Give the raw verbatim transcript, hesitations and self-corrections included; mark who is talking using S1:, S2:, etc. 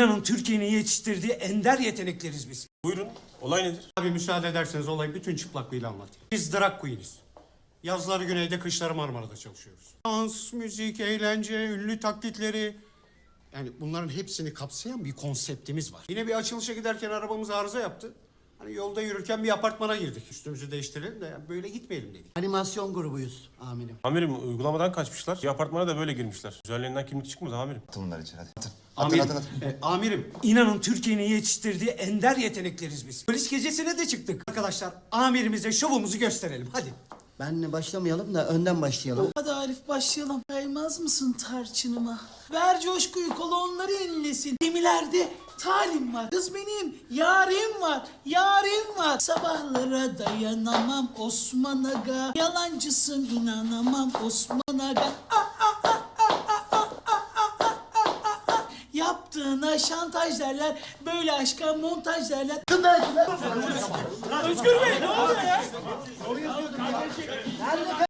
S1: İnanın Türkiye'nin yetiştirdiği ender yetenekleriz biz.
S2: Buyurun. Olay nedir?
S3: Abi müsaade ederseniz olayı bütün çıplaklığıyla anlatayım. Biz drag queen'iz. Yazları güneyde, kışları Marmara'da çalışıyoruz. Dans, müzik, eğlence, ünlü taklitleri... Yani bunların hepsini kapsayan bir konseptimiz var. Yine bir açılışa giderken arabamız arıza yaptı. Hani yolda yürürken bir apartmana girdik. Üstümüzü değiştirelim de yani böyle gitmeyelim dedik.
S4: Animasyon grubuyuz amirim.
S2: Amirim uygulamadan kaçmışlar. Bir apartmana da böyle girmişler. Üzerlerinden kimlik çıkmadı amirim.
S5: Atın bunları içeri hadi. Atın.
S3: Amirim,
S5: Atın atın atın.
S3: e, amirim,
S1: İnanın Türkiye'nin yetiştirdiği ender yetenekleriz biz. Polis gecesine de çıktık. Arkadaşlar amirimize şovumuzu gösterelim hadi.
S4: Benle başlamayalım da önden başlayalım.
S6: Hadi Arif başlayalım. Kaymaz mısın tarçınıma? Ver coşkuyu kolonları inlesin. Gemilerde talim var. Kız benim yarim var. Yarim var. Sabahlara dayanamam Osman Aga. Yalancısın inanamam Osman Aga. Ah, ah, ah, ah, ah, ah, ah, ah, ah, ah, ah. Yaptığına şantaj derler. Böyle aşka montaj derler. Özgür Bey ne oluyor ya?